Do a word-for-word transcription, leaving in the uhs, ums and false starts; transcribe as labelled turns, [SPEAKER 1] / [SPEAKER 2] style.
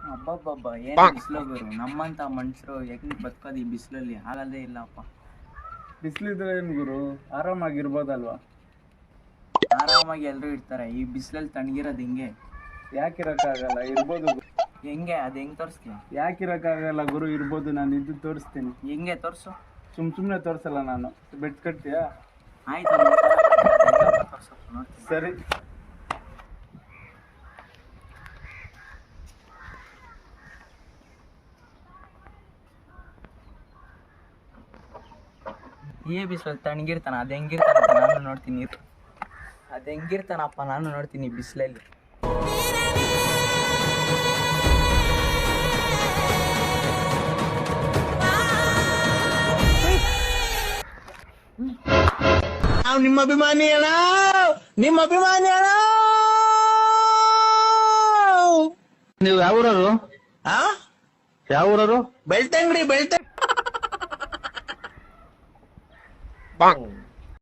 [SPEAKER 1] ಅಬ್ಬಬ್ಬಬ್ಬ ಏನು ಬಿಸಿಲು ಗುರು, ನಮ್ಮಂತ ಮನುಷ್ಯರು ಹೆಂಗ್ ಬದುಕೋದು ಈ ಬಿಸಿಲಲ್ಲಿ? ಆಗಲ್ಲೇ ಇಲ್ಲಪ್ಪ.
[SPEAKER 2] ಬಿಸಿಲಿದ್ರೆ ಏನ್ ಗುರು, ಆರಾಮಾಗಿರ್ಬೋದಲ್ವಾ?
[SPEAKER 1] ಆರಾಮಾಗಿ ಎಲ್ರು ಇರ್ತಾರೆ, ಈ ಬಿಸಿಲಲ್ಲಿ ತಣ್ಣಗಿರೋದು ಹಿಂಗೆ.
[SPEAKER 2] ಯಾಕಿರಕ್ಕಾಗಲ್ಲ, ಇರ್ಬೋದು ಗುರು.
[SPEAKER 1] ಹೆಂಗೆ ಅದು ಹೆಂಗ್ ತೋರಿಸ್ತೀನಿ?
[SPEAKER 2] ಯಾಕಿರಕ್ಕಾಗಲ್ಲ ಗುರು, ಇರ್ಬೋದು. ನಾನು ಇದ್ದು ತೋರಿಸ್ತೀನಿ.
[SPEAKER 1] ಹೆಂಗೆ ತೋರಿಸು?
[SPEAKER 2] ಸುಮ್ ಸುಮ್ನೆ ತೋರ್ಸಲ್ಲ ನಾನು. ಬೆಟ್ ಕಟ್ತೀಯಾ?
[SPEAKER 1] ಆಯ್ತು, ನೋಡ್ತೀನಿ.
[SPEAKER 2] ಸರಿ.
[SPEAKER 1] ಏ ಬಿಸಿಲಲ್ಲಿ ತಣ್ಣಗಿರ್ತಾನ, ಅದು ಹೆಂಗಿರ್ತಾನಪ್ಪ ನಾನು ನೋಡ್ತೀನಿ. ಅದು ಹೆಂಗಿರ್ತಾನಪ್ಪ ನಾನು ನೋಡ್ತೀನಿ ಬಿಸಿಲಲ್ಲಿ.
[SPEAKER 3] ನಾವು ನಿಮ್ಮ ಅಭಿಮಾನಿ ಅಣ್ಣ, ನಿಮ್ಮ ಅಭಿಮಾನಿ ಅಣ್ಣ.
[SPEAKER 4] ನೀವು ಯಾವ ಊರರು?
[SPEAKER 3] ಆ
[SPEAKER 4] ಯಾವ ಊರರು?
[SPEAKER 3] ಬೆಳ್ತಂಗಡಿ ಬೆಳ್ತ